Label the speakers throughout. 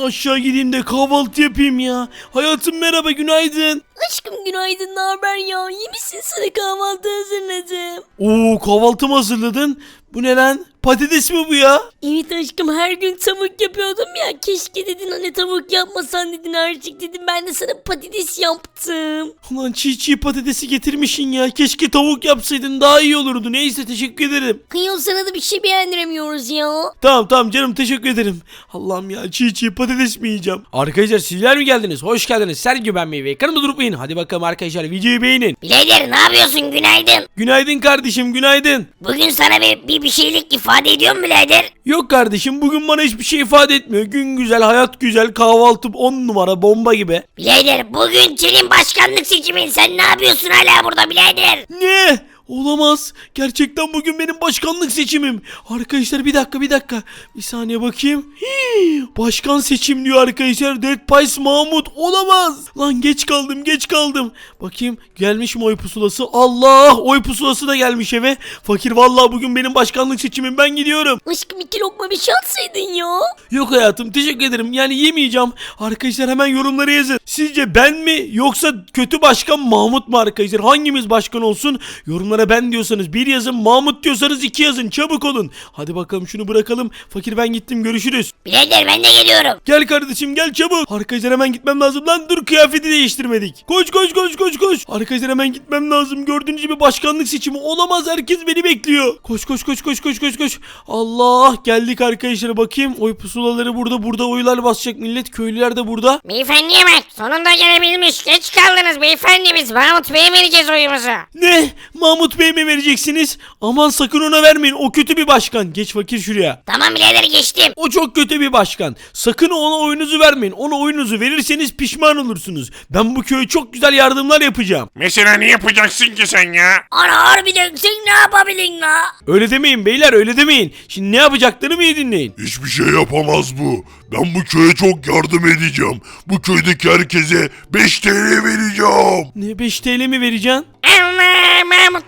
Speaker 1: aşağı gideyim de kahvaltı yapayım ya. Hayatım merhaba, günaydın.
Speaker 2: Aşkım günaydın, ne haber ya? İyi misin? Sana kahvaltı hazırladım.
Speaker 1: Oo, kahvaltı mı hazırladın? Bu ne lan? Patates mi bu ya?
Speaker 2: Evet aşkım, her gün tavuk yapıyordum ya. Keşke dedin hani tavuk yapmasan dedin artık dedim. Ben de sana patates yaptım.
Speaker 1: Ulan çiğ patatesi getirmişsin ya. Keşke tavuk yapsaydın, daha iyi olurdu. Neyse, teşekkür ederim.
Speaker 2: Kıyıl sana da bir şey beğendiremiyoruz ya.
Speaker 1: Tamam canım, teşekkür ederim. Allah'ım ya, çiğ patates mi yiyeceğim? Arkadaşlar sizler mi geldiniz? Hoş geldiniz. Sergio ben Meyve. Kanımda durmayın. Hadi bakalım arkadaşlar, videoyu beğenin.
Speaker 3: Birader ne yapıyorsun, günaydın.
Speaker 1: Günaydın kardeşim, günaydın.
Speaker 3: Bugün sana bir şeylik ifade ediyor mu birader?
Speaker 1: Yok kardeşim, bugün bana hiçbir şey ifade etmiyor. Gün güzel, hayat güzel, kahvaltı 10 numara, bomba gibi.
Speaker 3: Birader bugün senin başkanlık seçimin, sen ne yapıyorsun hala burada birader?
Speaker 1: Ne? Olamaz. Gerçekten bugün benim başkanlık seçimim. Arkadaşlar bir dakika. Bir saniye bakayım. Başkan seçim diyor arkadaşlar. Dead Pies Mahmut. Olamaz. Lan geç kaldım. Bakayım gelmiş mi oy pusulası? Allah, oy pusulası da gelmiş eve. Fakir vallahi bugün benim başkanlık seçimim, ben gidiyorum.
Speaker 2: Aşkım 2 lokma bir şey atsaydın ya.
Speaker 1: Yok hayatım, teşekkür ederim. Yani yemeyeceğim. Arkadaşlar hemen yorumlara yazın. Sizce ben mi yoksa kötü başkan Mahmut mu arkadaşlar? Hangimiz başkan olsun? Yorumlara ben diyorsanız 1 yazın, Mahmut diyorsanız 2 yazın. Çabuk olun. Hadi bakalım şunu bırakalım. Fakir ben gittim, görüşürüz.
Speaker 3: Birader ben de geliyorum.
Speaker 1: Gel kardeşim gel çabuk. Arkadaşlar hemen gitmem lazım lan, dur kıyafeti değiştirmedik. Koş. Arkadaşlar hemen gitmem lazım. Gördüğünüz gibi başkanlık seçimi olamaz, herkes beni bekliyor. Koş. Allah, geldik arkadaşlar, bakayım. Oy pusulaları burada oylar basacak millet, köylüler de burada.
Speaker 3: Beyefendiye bak, sonunda gelebilmiş, geç kaldınız beyefendi, biz Mahmut Bey'e vereceğiz oyumuzu.
Speaker 1: Ne? Mahmut Bey mi vereceksiniz? Aman sakın ona vermeyin, o kötü bir başkan. Geç fakir şuraya.
Speaker 3: Tamam birader, geçtim.
Speaker 1: O çok kötü bir başkan. Sakın ona oyunuzu vermeyin. Ona oyunuzu verirseniz pişman olursunuz. Ben bu köye çok güzel yardımlar yapacağım.
Speaker 4: Mesela ne yapacaksın ki sen ya?
Speaker 3: Ana harbiden sen ne yapabilin la?
Speaker 1: Öyle demeyin beyler, öyle demeyin. Şimdi ne yapacaklarımı iyi dinleyin.
Speaker 5: Hiçbir şey yapamaz bu. Ben bu köye çok yardım edeceğim. Bu köydeki herkese 5 TL vereceğim.
Speaker 1: Ne, 5 TL mi vereceksin?
Speaker 3: Allah,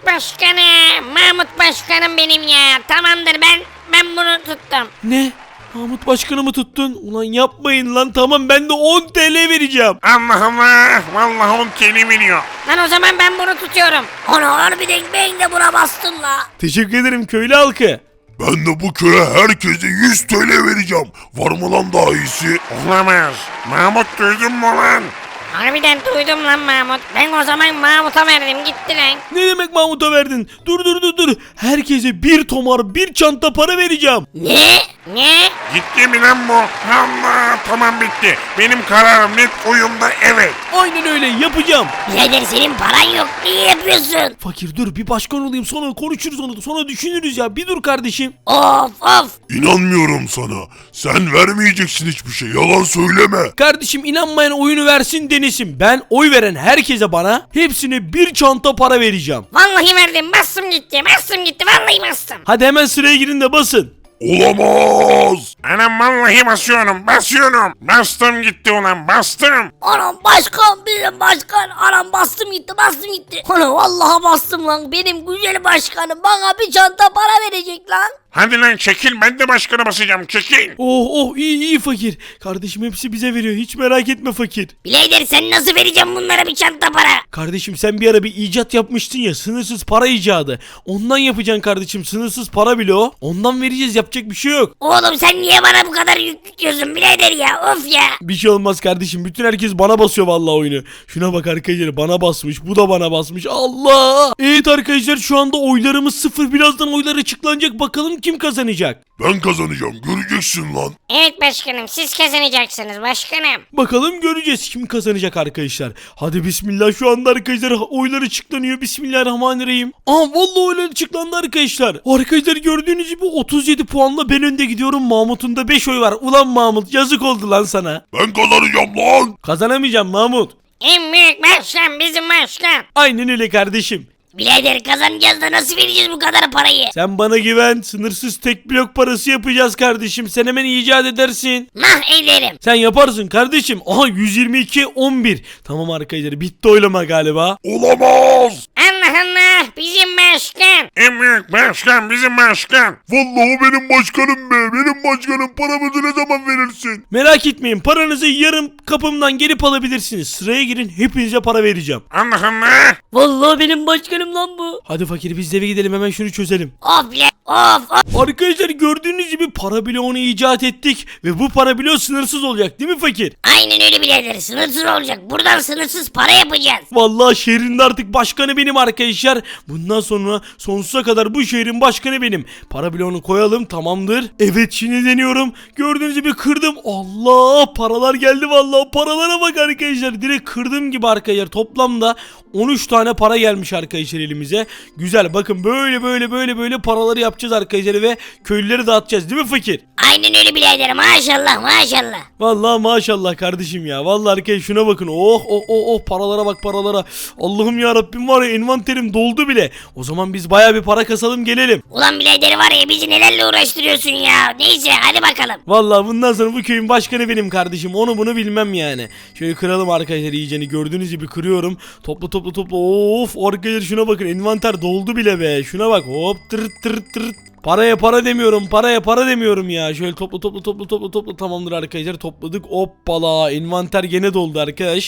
Speaker 3: Mahmut Başkanım benim ya. Tamamdır, ben bunu tuttum.
Speaker 1: Ne? Mahmut Başkan'ı mı tuttun? Ulan yapmayın lan, tamam ben de 10 TL vereceğim.
Speaker 4: Allah Allah. Vallahi 10 TL veriyor.
Speaker 3: Lan o zaman ben bunu tutuyorum. Ana harbiden ben de buna bastım la.
Speaker 1: Teşekkür ederim köylü halkı.
Speaker 5: Ben de bu köye herkese 100 TL vereceğim. Var mı lan daha iyisi?
Speaker 4: Olamaz. Mahmut duydun mu lan?
Speaker 3: Harbiden duydum lan Mahmut. Ben o zaman Mahmut'a verdim, gitti lan.
Speaker 1: Ne demek Mahmut'a verdin? Dur. Herkese bir tomar, bir çanta para vereceğim.
Speaker 3: Ne?
Speaker 4: Gitti mi lan bu? Allah, tamam bitti. Benim kararım net, oyumda evet.
Speaker 1: Aynen öyle yapacağım.
Speaker 3: Birader senin paran yok, niye yapıyorsun?
Speaker 1: Fakir dur, bir başkan olayım, sonra konuşuruz onu, sonra düşünürüz ya. Bir dur kardeşim.
Speaker 3: Of.
Speaker 5: İnanmıyorum sana. Sen vermeyeceksin hiçbir şey. Yalan söyleme.
Speaker 1: Kardeşim inanmayan oyunu versin denesin. Ben oy veren herkese bana hepsine bir çanta para vereceğim.
Speaker 3: Vallahi verdim, bastım gitti, vallahi bastım.
Speaker 1: Hadi hemen sıraya girin de basın.
Speaker 5: Olamaz.
Speaker 4: Anam vallahi basıyorum. Bastım gitti ulan, bastım.
Speaker 2: Anam başkan, benim başkan. Anam bastım gitti. Ana vallahi bastım lan. Benim güzel başkanım bana bir çanta para verecek lan.
Speaker 4: Hadi lan çekil, ben de başkana basacağım, çekil.
Speaker 1: Oh iyi fakir. Kardeşim hepsi bize veriyor, hiç merak etme fakir.
Speaker 3: Birader sen nasıl vereceksin bunlara bir çanta para?
Speaker 1: Kardeşim sen bir ara bir icat yapmıştın ya, sınırsız para icadı. Ondan yapacaksın kardeşim, sınırsız para bile o. Ondan vereceğiz, yapacak bir şey yok.
Speaker 3: Oğlum sen niye bana bu kadar yük yüklüyorsun birader ya, of ya.
Speaker 1: Bir şey olmaz kardeşim, bütün herkes bana basıyor vallahi oyunu. Şuna bak arkadaşlar, bana basmış, bu da bana basmış. Allah! Evet arkadaşlar, şu anda oylarımız 0, birazdan oylar açıklanacak, bakalım kim kazanacak.
Speaker 5: Ben kazanacağım. Göreceksin lan.
Speaker 3: Evet başkanım, siz kazanacaksınız başkanım.
Speaker 1: Bakalım göreceğiz kim kazanacak arkadaşlar. Hadi bismillah, şu anda arkadaşlar oylar açıklanıyor. Bismillahirrahmanirrahim. Vallahi oylar açıklandı arkadaşlar. Arkadaşlar gördüğünüz gibi 37 puanla ben önde gidiyorum. Mahmut'un da 5 oy var. Ulan Mahmut, yazık oldu lan sana.
Speaker 5: Ben kazanacağım lan.
Speaker 1: Kazanamayacağım Mahmut.
Speaker 3: En büyük başkan bizim başkan.
Speaker 1: Aynen öyle kardeşim.
Speaker 3: Birader kazanacağız da nasıl vereceğiz bu kadar parayı?
Speaker 1: Sen bana güven, sınırsız tek blok parası yapacağız kardeşim. Sen hemen icat edersin.
Speaker 3: Mah ederim.
Speaker 1: Sen yaparsın kardeşim. Aha 122-11. Tamam arkadaşlar, bitti oylama galiba.
Speaker 5: Olamaz.
Speaker 3: Allah bizim başkan.
Speaker 4: En büyük başkan bizim başkan.
Speaker 5: Vallahi o benim başkanım be. Benim başkanım, paramızı ne zaman verirsin? versin.
Speaker 1: Merak etmeyin, paranızı yarım kapımdan gelip alabilirsiniz. Sıraya girin, hepinize para vereceğim.
Speaker 4: Allah Allah.
Speaker 2: Vallahi benim başkanım lan bu.
Speaker 1: Hadi fakir, biz de eve gidelim, hemen şunu çözelim.
Speaker 2: Of bile of.
Speaker 1: Arkadaşlar gördüğünüz gibi para bloğunu icat ettik ve bu para bloğu sınırsız olacak değil mi fakir?
Speaker 2: Aynen öyle birader, sınırsız olacak. Buradan sınırsız para yapacağız.
Speaker 1: Vallahi şehrin de artık başkanı benim arkadaşlar. Bundan sonra sonsuza kadar bu şehrin başkanı benim. Para bloğunu koyalım, tamamdır. Evet, şimdi deniyorum. Gördüğünüz gibi kırdım. Allah, paralar geldi vallahi. Paralara bak arkadaşlar. Direkt kırdığım gibi arkadaşlar. Toplamda 13 tane para gelmiş arkadaşlar elimize. Güzel, bakın böyle paraları yapacağız arkadaşlar ve köylüleri dağıtacağız değil mi fakir?
Speaker 2: Aynen öyle birader, maşallah maşallah.
Speaker 1: Vallahi maşallah kardeşim ya. Vallahi arkadaşlar şuna bakın. Oh paralara bak, paralara. Allah'ım ya Rabbim, var ya envanterim doldu bile. O zaman biz bayağı bir para kasalım, gelelim.
Speaker 2: Ulan birader var ya, bizi nelerle uğraştırıyorsun ya. Neyse hadi bakalım.
Speaker 1: Vallahi bundan sonra bu köyün başkanı benim kardeşim. Onu bunu bilmem yani. Şöyle kıralım arkadaşlar iyiceni. Gördüğünüz gibi kırıyorum. Topla. Of arkadaşlar şuna bakın. Envanter doldu bile be. Şuna bak. Hop tır. Paraya para demiyorum ya. Şöyle topla. Tamamdır arkadaşlar, topladık. Hoppala, envanter gene doldu arkadaş.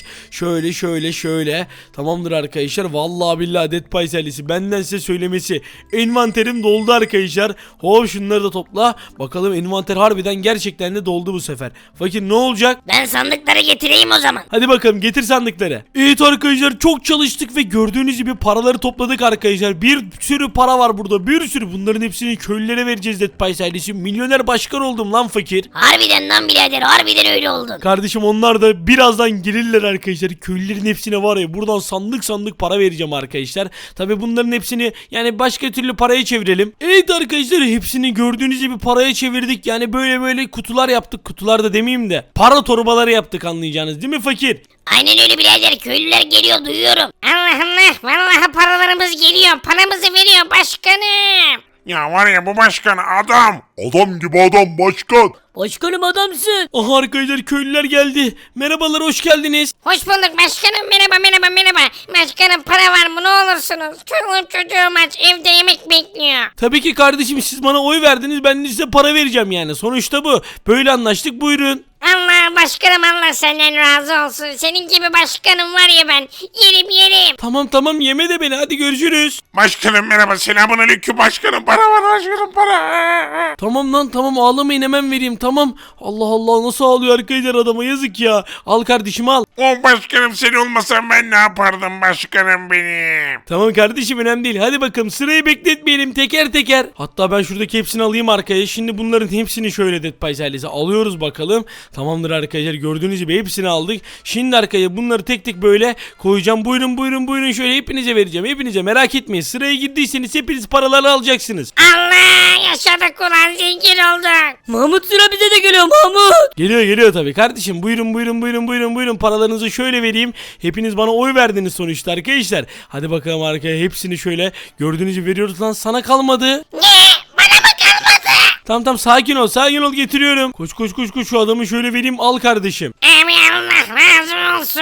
Speaker 1: Şöyle. Tamamdır arkadaşlar. Vallahi billahi Dead Pies ailesi, benden size söylemesi. Envanterim doldu arkadaşlar. Hop şunları da topla. Bakalım envanter harbiden gerçekten de doldu bu sefer. Fakir ne olacak?
Speaker 2: Ben sandıkları getireyim o zaman.
Speaker 1: Hadi bakalım, getir sandıkları. Evet arkadaşlar, çok çalıştık ve gördüğünüz gibi paraları topladık arkadaşlar. Bir sürü para var burada, bir sürü. Bunların hepsini köylülere vereceğiz Dead Pies ailesi. Milyoner başkan oldum lan fakir.
Speaker 2: Harbiden lan birader, harbiden öyle oldun.
Speaker 1: Kardeşim onlar da birazdan gelirler arkadaşlar. Köylülerin hepsine var ya, buradan sandık para vereceğim arkadaşlar. Tabi bunların hepsini yani başka türlü paraya çevirelim. Evet arkadaşlar, hepsini gördüğünüz gibi paraya çevirdik. Yani böyle kutular yaptık. Kutular da demeyeyim de para torbaları yaptık, anlayacağınız değil mi fakir?
Speaker 2: Aynen öyle birader, köylüler geliyor, duyuyorum.
Speaker 3: Allah Allah, vallahi paralarımız geliyor, paramızı veriyor başkanım.
Speaker 4: Ya var ya, bu başkan adam.
Speaker 5: Adam gibi adam başkan.
Speaker 2: Başkanım adamsın.
Speaker 1: Aha arkadaşlar, köylüler geldi. Merhabalar, hoş geldiniz.
Speaker 3: Hoş bulduk başkanım, merhaba. Başkanım para var mı, ne olursunuz? Çoluğum çocuğum aç, evde yemek bekliyor.
Speaker 1: Tabii ki kardeşim, siz bana oy verdiniz, ben de size para vereceğim yani. Sonuçta bu. Böyle anlaştık, buyurun.
Speaker 3: Allah başkanım, Allah senden razı olsun. Senin gibi başkanım var ya, ben yerim.
Speaker 1: Tamam, yeme de beni, hadi görüşürüz.
Speaker 4: Başkanım merhaba, selamünaleyküm başkanım. Para var başkanım, para.
Speaker 1: Tamam lan, tamam, ağlamayın, hemen vereyim, tamam. Allah nasıl ağlıyor arkadaşlar, adama yazık ya. Al kardeşim, al.
Speaker 4: O başkanım, sen olmasan ben ne yapardım başkanım benim.
Speaker 1: Tamam kardeşim, önemli değil. Hadi bakalım, sırayı bekletmeyelim, teker. Hatta ben şuradaki hepsini alayım arkaya. Şimdi bunların hepsini şöyle Dead Pies ailesi alıyoruz bakalım. Tamamdır arkadaşlar, gördüğünüz gibi hepsini aldık. Şimdi arkaya bunları tek böyle koyacağım. Buyurun, şöyle hepinize vereceğim. Hepinize, merak etmeyin. Sıraya girdiyseniz hepiniz paraları alacaksınız.
Speaker 3: Allah, yaşadık ulan, zengin olduk.
Speaker 2: Mahmut, sıra bize de geliyor Mahmut.
Speaker 1: Geliyor tabii kardeşim. Buyurun, paralarınızı şöyle vereyim. Hepiniz bana oy verdiniz sonuçta arkadaşlar. Hadi bakalım arkaya, hepsini şöyle gördüğünüz gibi veriyoruz. Lan sana kalmadı.
Speaker 3: Ne? Bana mı kalmadı?
Speaker 1: Tamam, sakin ol, getiriyorum. Koş, şu adamı şöyle vereyim, al kardeşim.
Speaker 3: Amin, Allah razı olsun.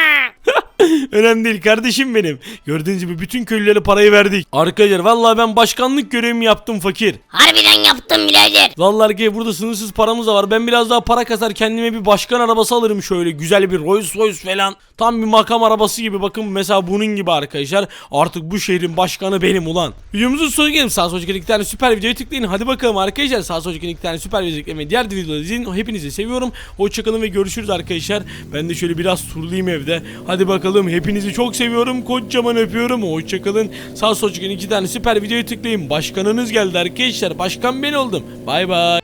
Speaker 1: Önemli değil kardeşim benim. Gördüğünüz gibi bütün köylülere parayı verdik. Arkadaşlar vallahi ben başkanlık görevimi yaptım fakir.
Speaker 2: Harbiden yaptım birader.
Speaker 1: Vallahi arkadaşlar burada sınırsız paramız da var. Ben biraz daha para kasar kendime bir başkan arabası alırım şöyle. Güzel bir Rolls Royce falan. Tam bir makam arabası gibi, bakın mesela bunun gibi arkadaşlar. Artık bu şehrin başkanı benim ulan. Videomuzun sonuna geldim. Sağ sol iki tane süper videoya tıklayın. Hadi bakalım arkadaşlar. Sağ sol iki tane süper video tıklayın. Diğer videoları izleyin. Hepinizi seviyorum. Hoşçakalın ve görüşürüz arkadaşlar. Ben de şöyle biraz turlayayım evde. Hadi bakalım. Hepinizi çok seviyorum. Kocaman öpüyorum. Hoşçakalın. Sağ sol iki tane süper videoya tıklayın. Başkanınız geldi arkadaşlar. Başkan ben oldum. Bay bay.